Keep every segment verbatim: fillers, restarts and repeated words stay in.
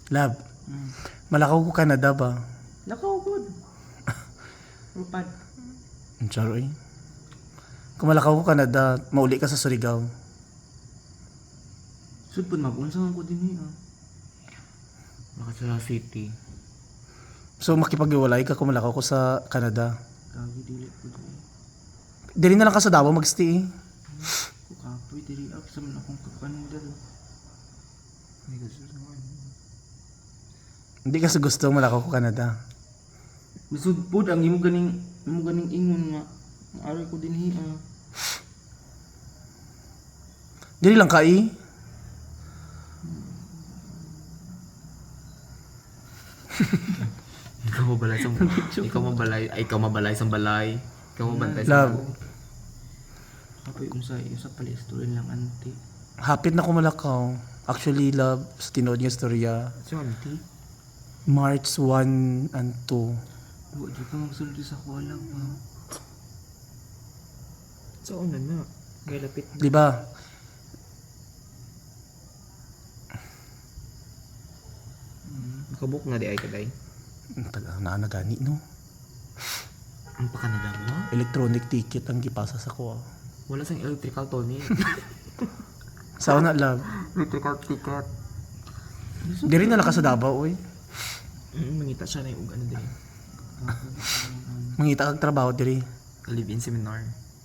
Lab, Mm. malakaw ko Canada ba? Nakaugod. Rupad. Ang charo eh. Kung malakaw ko Canada, mauli ka sa Surigao. Sud pud mag-unsa man ko dinhi ah. Makasala City. So makipag-iwalay ka kung malakaw ko sa Canada. Kagi dili pud. Dili na lang ka sa Davao magstay eh. Ko kapoy diri up sa man akong kapanindal. Ay gusto naman. Hindi kasi gusto malakaw ko Canada. Bisud pud ang imo ganing imo ganing ingon nga maaari ko dinhi ah. Dili lang ka eh. Ikaw mabalay sa ikaw mabalay ay ikaw mabalay sa balay. Ikaw mabantay sa Love. Kapoy unsa usa pala istorya lang anti. Hapit na ko malakaw. Actually, love, sa tinood niya storya, So auntie, March one and two. Wa jud ka magsulti sa kuwala pa. so una na. Ngay lapit. Di ba? Nakabuk na di ay kaday. Taga na nagani no. Ang pakanada mo? Electronic ticket ang gipasa sa ko. Wala sang electrical Tony. Sa una, love. Electrical ticket. Diri na lang ka sa Davao oy. Mm, mangita siya na yung ano din. Mangita kag trabaho diri. Live-in seminar.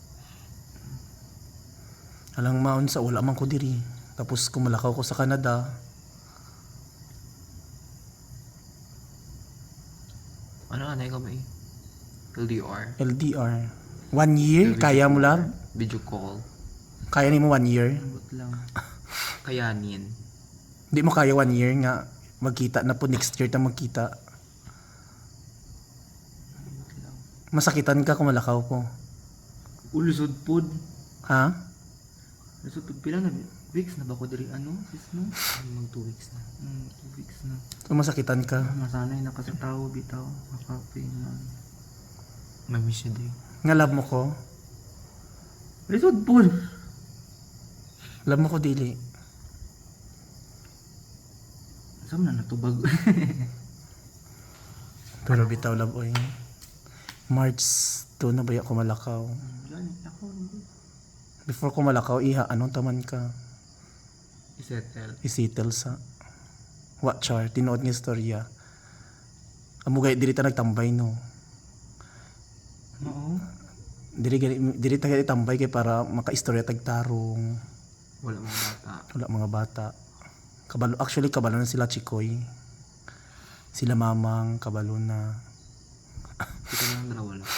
Alang maon sa wala man ko diri. Tapos kumalakaw ko sa Canada. Ano ka na ikaw ba eh? L D R. L D R. One year? Kaya mo lang? Video call. Kaya ni mo one year? Ambot lang. Kayanin. Hindi mo kaya one year nga. Magkita na po next year ta magkita. Ambot lang. Masakitan ka kung malakaw ko. Ulusod pud. Ha? Lusod pud pila na weeks na ba ko diri ano? Sis no? Mag two weeks na. Mm, two weeks na. So masakitan ka. Masanay na kasi tao bitaw. Makapoy na. Mamiss siya din. Nga love mo ko. Lusod pud. Love mo ko dili. Saan na natubag? Pero bitaw love oy. March two na ba ako malakaw? Gani ako. Before ko malakaw, iha, anong taman ka? Isettle. Isitel sa Watchar, tinood nga istorya. Amugay, diri ta nagtambay no. Oo. Diri, gani- diri ta gani tambay kay para makaistorya tagtarong. Wala mga bata. Wala mga bata. Kabalo, actually, kabalo na sila Chikoy. Sila Mamang, kabalo na. Kita na lang dalawa lang.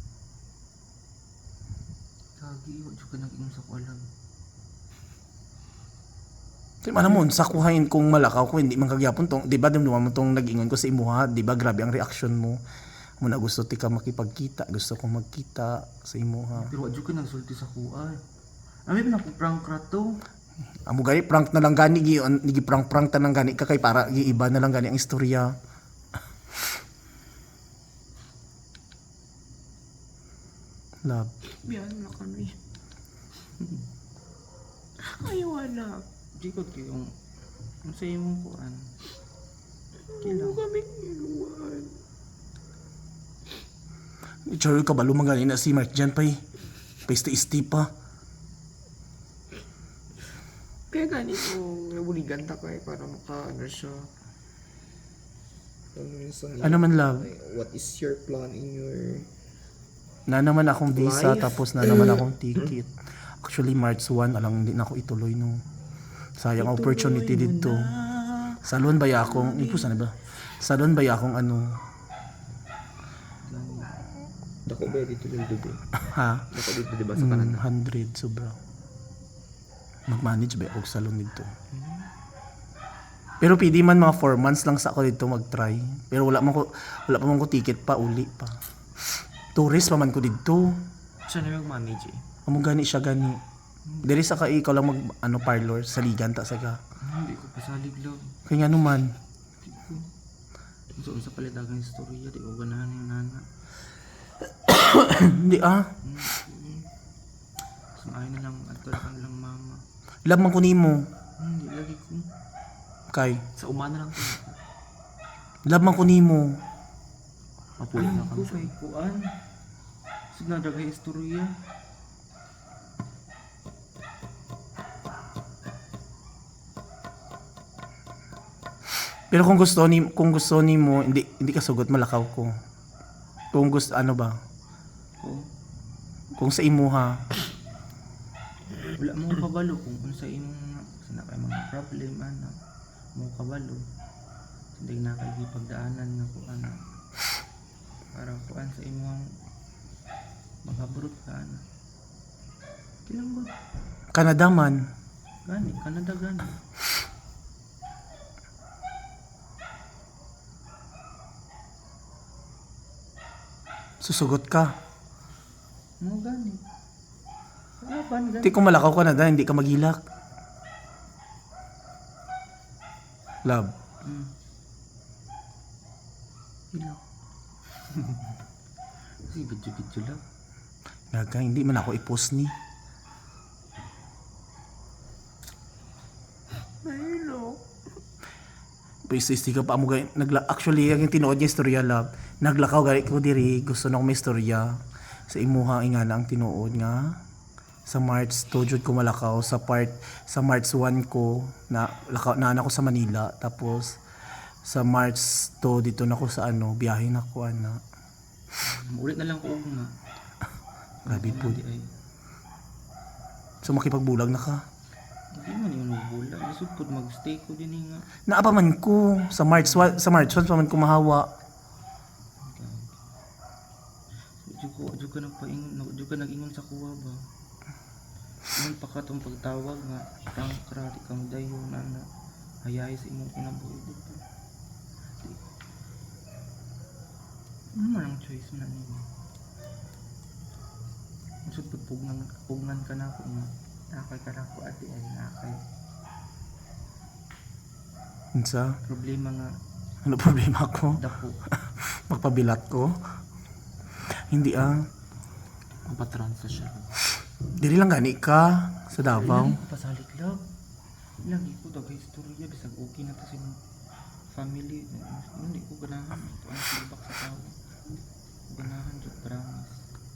Kagi, wa jud ka nag-ingon sa kuwala. Kaya alam mo, sa kuhain kung malakaw ko, hindi man kagyapon tong, di ba, dumduman mo tong nag-ingon ko sa imuha, di ba, grabe ang reaction mo. Muna gusto ti ka makipagkita, gusto kong magkita sa imuha. Pero wa jud ka nagsulti sa kuwal. Ami pa na prank rato. Amo gani prank na lang gani gi gi prank prank ta nang gani ka kay para giiba na lang gani ang istorya. Love. Biyan na kami. Ay, wala. Di ko yung ang sa imong kuan. Kailan kami iluwan. Charo ka balo man gani na si Mark Jan pay. Peste isti pa. Kaya ganito, nabuligan ta kay para maka ano siya. Ano minsan, Ano man love? what is your plan in your Na naman akong visa Life? tapos na naman akong ticket. Actually March one alang hindi na ako ituloy no. Sayang ang opportunity dito. Salon ba ya akong ipo sana ba? Salon ba ya akong ano? dako ba dito yung dubi? Ha? Dako dito diba sa Mm, Canada? one hundred sobra. Mag-manage ba ako sa salon dito? Pero pwede man mga four months lang sa ako dito mag-try. Pero wala man ko wala pa man ko ticket pa uli pa. Tourist pa man ko dito. Siya na mag-manage eh. Amo gani siya gani. Diri sa ka ikaw lang mag ano parlor sa ligan ta sa ka. Hindi ko pasalig lang. Kaya nga naman. So unsa pala dagang istorya di ko ganahan yung nana. Hindi ah. So ay na lang ato lang lang mama. Love man ko nimo. Hindi lagi ko. Kay Sa umana lang to. Love man ko nimo. Mapulit na Ay, kami ko sa... kay kuan. Sige na dagay istorya. Pero kung gusto ni kung gusto nimo hindi hindi ka sugot malakaw ko. Kung gusto ano ba? Oo. Kung sa imuha, Wala mo kabalo kung unsa imong sina kay mga problem ana. Mo kabalo. Hindi na kay gipagdaanan nga kuan. Para kuan sa imong makabrut ka ana. Kilang ba? Canada man. Gani, Canada gani. Susugot ka. Mo gani. Laban gani. Hindi kung malakaw Canada, hindi ka magilak. Love. Mm. Ilaw. Kasi video-video lang. Naga, hindi man ako i-post ni. Mahilo. Pwede ka pa mo gay nagla actually ang tinuod niya istorya love. Naglakaw gali ko diri, gusto na ko may istorya sa imuha ingana ang tinuod nga sa March two jud ko malakaw sa part sa March one ko na lakaw na ako sa Manila tapos sa March two dito na ko sa ano biyahe na ko ana. Ulit na lang ko nga. Grabe po. Di ay. So makipagbulag na ka. Hindi man yung nagbulag. Lisod po mag-stay ko din eh nga. Naa pa man ko sa March one, sa March one pa man ko mahawa. Diyo ko, diyo ka nagpaingon, diyo ka nag-ingon sa kuwa ba? Ingon pa ka itong pagtawag nga, parang karati kang dayo na na hayay sa imong kinabuhi dito. Ano man ang choice na niyo? Masud po pugnan, pugnan ka na ako nga. Nakay ka na ako ate ay nakay. Unsa? Problema nga, Ano problema ko? dako. Magpabilat ko? Hindi ah. Mapatransa siya. Dili lang gani ka sa Davao. Ilang ko pasalit lang. Ilang ko dagay istorya bisag okay na to sa imong family. Hindi ko ganahan ito ang feedback sa tao. Ganahan jud promise.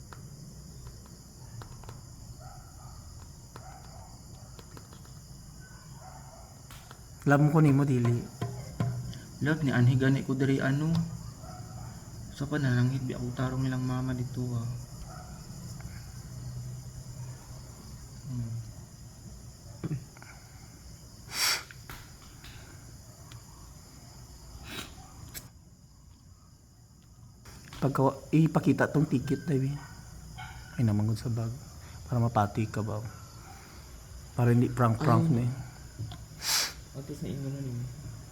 Alam ko nimo dili. Love ni anhi gani ko diri ano. Sa pananangit bi ako tarong nilang mama dito ah. Hmm. Pagka ipakita tong ticket Davi. Ay naman gud sa bag para mapati ka ba. Para hindi prank-prank Ay. ni. Ato sa inyo na rin.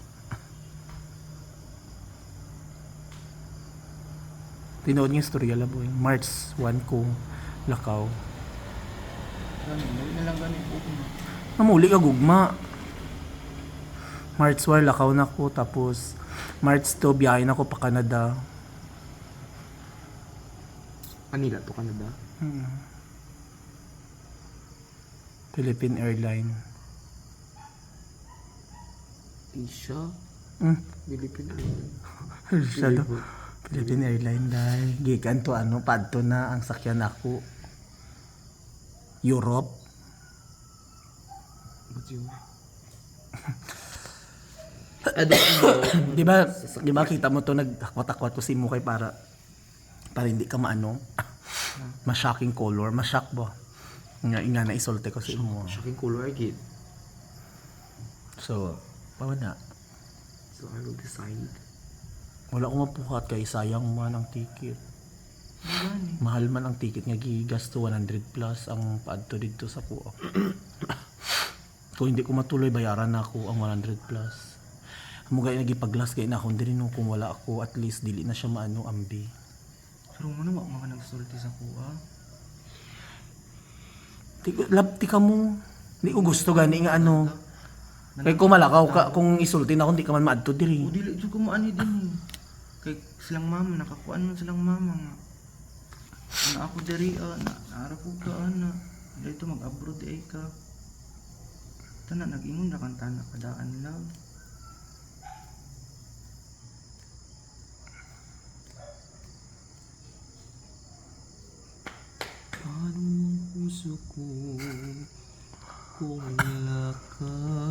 Tinood niya istorya la boy. March one ko lakaw. Gani, muli na lang gani ko na. Namuli ka gugma. March one lakaw na ko tapos March two biyahe na ko pa Canada. Manila to Canada. Hmm. Philippine Airline. Asia. Hmm. Philippine. Siya do. Philippine Airline dahil gikan to ano padto na ang sakyan ako. Europe. What's yun? Ado Di ba, di ba kita mo to nagtakwat-takwat ko si mo kay para para hindi ka maano. Ma-shocking color, ma-shock ba? Nga inga na isolte ko si mo. shocking color again. So, paano na? So I will decide. Wala ko mapukat kay sayang man ang ticket. Gani. Mahal man ang ticket nga gigas to one hundred plus ang paadto dito sa kuha. Kung hindi ko matuloy bayaran na ako ang one hundred plus. Mugay nagipaglas kay na ako diri no kung wala ako at least dili na siya maano ambi. Pero mo na wa mga nagsulti sa kuha. Ti lab ti ka mo. Hindi ko gusto gani nga ano. Kay kung malakaw ka kung isulti na ako hindi ka man maadto O diri. dili jud ko maani din eh. Kay silang mama nakakuan man silang mama nga. Na ako diri ah, na naara ko ka ana. Dito mag-abroad di ay ka. Tana nag-ingon ra kan tana kadaan lang. puso ko kung wala ka.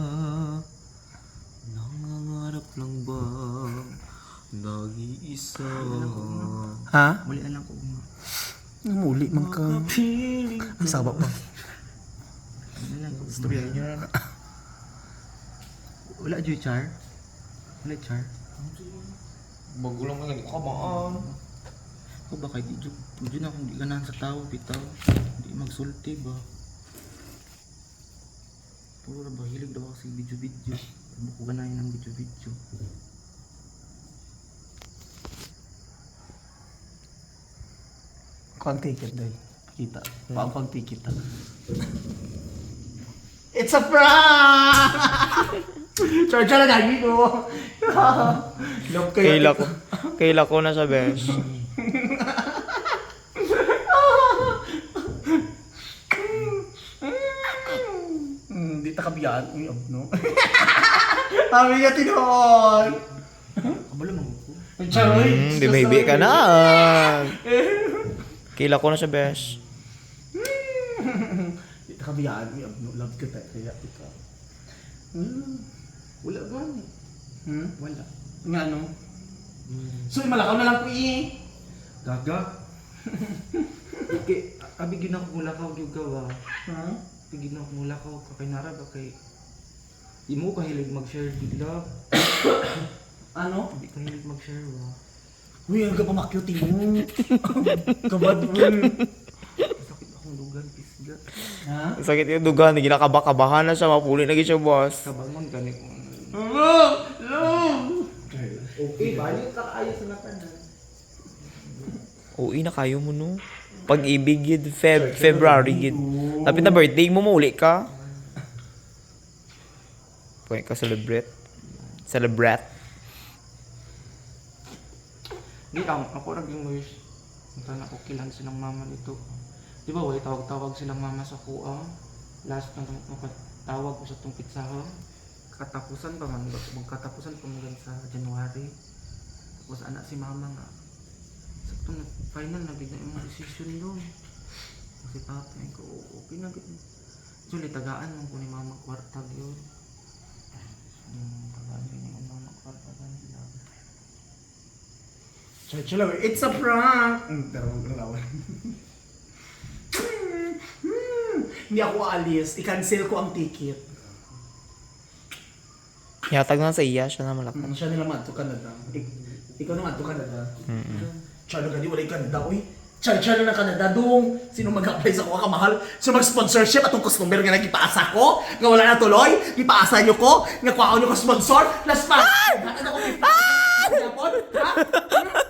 Nangangarap lang ba nag-iisa? Ha? Muli alam ko nga. Namuli man ka. Piling Ang sabak pa. Ano lang ko. Storya niyo na. Wala Joy Char? Wala Char? Bago lang ka nagkabaan. Ako ba kay di Diyo? Diyo na kung di ganahan sa tao, bitaw. Di magsulti ba? Puro na ba, hilig daw ako sa video-video. Ano ko ganahin ng video-video. Kuang ticket day. Kita. Kuang kuang ticket. It's a prank! Charge na lagi ko. Love kayo. Kaila ko. Kaila ko na sa best. Hmm, di ta kabiyaan. Uy, ab, no? Sabi niya tinoon. Kabalo mo ko. Charoy. Hmm, di may ka na. Kaila ko na sa best. Di ta kabiyaan. Uy, ab, no? Love ka tayo. Kaya ikaw. Hmm. Wala ba? Hmm? Wala. Nga, no? So, malakaw na lang po eh. Gaga? Okay, abigin ako mula ka yung gawa. Ha? Abigin ako mula ka kay Nara ba kay... Di mo kahilig mag-share bigla. Ano? Hindi kahilig mag-share ba? Uy, ang kapamakyuti mo. Kabad mo. Sakit akong lugan, pisga. Ha? Sakit yung dugan. Ginakabakabahan na siya. Mapuli na siya, boss. Kabangon ganit mo. Love! Love! Okay, balik ka ayos na tanan. Uy, na kayo mo, no? Pag-ibig yun, Feb, February yun. Lapit na birthday mo, mauli ka. Pwede ka celebrate. Celebrate. Hindi ako, ako naging wish. Punta na ko kilan silang mama dito. Di ba, way tawag-tawag silang mama sa kuang. Last na makatawag ko sa itong pizzahan. Katapusan pa man, magkatapusan pa man sa January. Tapos anak si mama nga. Sa itong final na bigla yung mga decision doon. Kasi papa ko, okay na gano'n. Actually, tagaan mo ko ni mama kwartag yun. Hmm, tagaan ko ni mama kwartag nila. Church lang. It's a prank! Mm, pero huwag lang lawan. Hindi ako aalis. I-cancel ko ang ticket. Yatag na sa iya, siya na malakas. Mm, siya nila man to Canada. Ik- ikaw naman to Canada. Mm-mm. Char na gani, wala yung Canada. Uy, char char na ng Canada. Doong, sino mag-apply sa kuha kamahal? Sino mag-sponsorship? Atong customer nga nagkipaasa ko? Nga wala na tuloy? Ipaasa nyo ko? Nga kuha nyo ko sponsor? Last pa! Ah! Ano ko? Ah! Ha?